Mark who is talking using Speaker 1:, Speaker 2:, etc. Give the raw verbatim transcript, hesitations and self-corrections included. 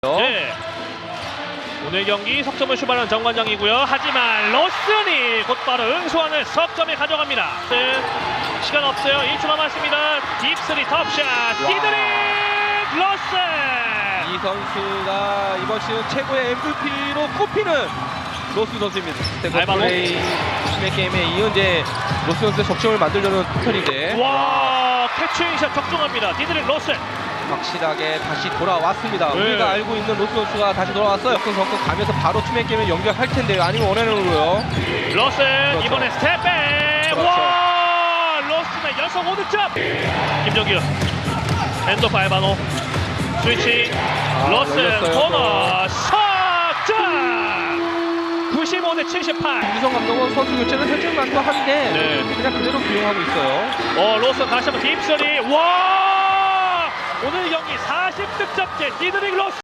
Speaker 1: 네. 오늘 경기 석점을 출발하는 정관장이고요. 하지만 로슨이 곧바로 응수하는 석점을 가져갑니다. 시간 없어요. 일 초 남았습니다. 딥스리 톱샷 디드릭 로슨.
Speaker 2: 이 선수가 이번 시즌 최고의 엠브이피로 꼽히는 로스 선수입니다. 스테고플레이 팀의 게임에 이은 이제 로스 선수의 적점을 만들려는 패턴인데
Speaker 1: 와 캐치샷 적중합니다. 디드릭 로슨.
Speaker 2: 확실하게 다시 돌아왔습니다.
Speaker 1: 네.
Speaker 2: 우리가 알고 있는 로스 선수가 다시 돌아왔어요. 그 선수 가면서 바로 투맨 게임을 연결할 텐데요. 아니면 원앤으로요.
Speaker 1: 로슨
Speaker 2: 그렇죠.
Speaker 1: 이번에 스텝백.
Speaker 2: 그렇죠.
Speaker 1: 와 로슨의 연속 오 득점. 김정규 핸드오프 알바노 스위치.
Speaker 2: 아,
Speaker 1: 로슨
Speaker 2: 열렸어요,
Speaker 1: 코너 석점. 구십오 대 칠십팔.
Speaker 2: 유성 감독은 선수 교체를 해줄 만도 한데
Speaker 1: 네.
Speaker 2: 그냥 그대로 기용하고 있어요.
Speaker 1: 어 로슨 다시 한번 딥스리. 와 오늘 경기 사십 득점째 디드릭 로슨.